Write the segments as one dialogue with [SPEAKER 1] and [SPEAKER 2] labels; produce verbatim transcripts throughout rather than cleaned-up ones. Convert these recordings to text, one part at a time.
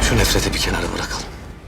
[SPEAKER 1] Şu nefreti bir kenara bırakalım.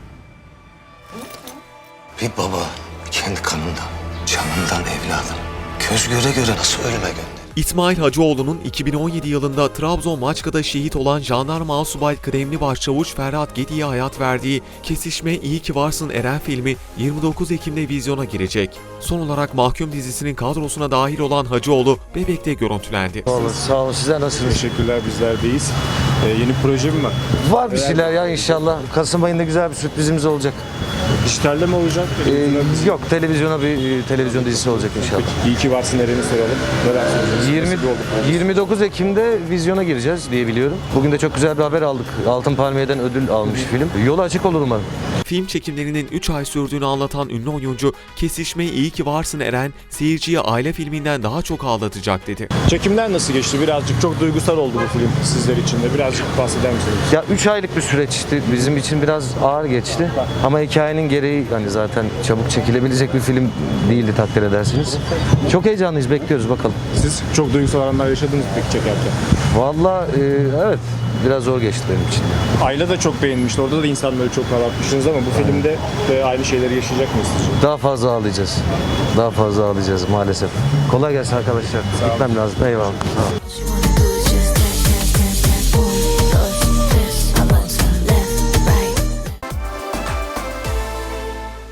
[SPEAKER 1] Bir baba kendi kanından, canından evladını göz göre göre nasıl ölüme gönderir?
[SPEAKER 2] İsmail Hacıoğlu'nun iki bin on yedi yılında Trabzon Maçka'da şehit olan Jandarma Asubay Kıdemli Başçavuş Ferhat Gedi'ye hayat verdiği Kesişme İyi Ki Varsın Eren filmi yirmi dokuz Ekim'de vizyona girecek. Son olarak Mahkum dizisinin kadrosuna dahil olan Hacıoğlu Bebek'te görüntülendi.
[SPEAKER 3] Sağ olun, sağ olun. Sizler nasılsınız?
[SPEAKER 4] Teşekkürler, bizler deyiz. Ee, yeni proje mi var?
[SPEAKER 3] Var bir şeyler ya inşallah. Kasım ayında güzel bir sürprizimiz olacak.
[SPEAKER 4] Dijitalde mi olacak?
[SPEAKER 3] Ee, yok, televizyona bir e, televizyon dizisi olacak inşallah.
[SPEAKER 4] İyi ki varsın Eren'i soralım. Neler söyleyeceksiniz?
[SPEAKER 3] yirmi,
[SPEAKER 4] Nasıl bir oldu?
[SPEAKER 3] yirmi dokuz Ekim'de vizyona gireceğiz diye biliyorum. Bugün de çok güzel bir haber aldık. Altın Palmiye'den ödül almış film. Yolu açık olur umarım.
[SPEAKER 2] Film çekimlerinin üç ay sürdüğünü anlatan ünlü oyuncu, Kesişme İyi Ki Varsın Eren, seyirciye aile filminden daha çok ağlatacak dedi.
[SPEAKER 4] Çekimler nasıl geçti? Birazcık çok duygusal oldu bu film sizler için de. Birazcık bahseder misiniz?
[SPEAKER 3] Ya üç aylık bir süreçti. Bizim için biraz ağır geçti. Ama hikayenin gereği hani zaten çabuk çekilebilecek bir film değildi takdir edersiniz. Çok heyecanlıyız, bekliyoruz bakalım.
[SPEAKER 4] Siz çok duygusal anlar yaşadınız mı peki çekerken?
[SPEAKER 3] Vallahi e, evet biraz zor geçti benim için.
[SPEAKER 4] Ayla da çok beğenmişti. Orada da insanları çok ağlatmışsınız ama bu filmde de aynı şeyleri yaşayacak mıyız sizce?
[SPEAKER 3] Daha fazla ağlayacağız. Daha fazla ağlayacağız maalesef. Kolay gelsin arkadaşlar. Gitmem lazım. Eyvallah. Sağ olun.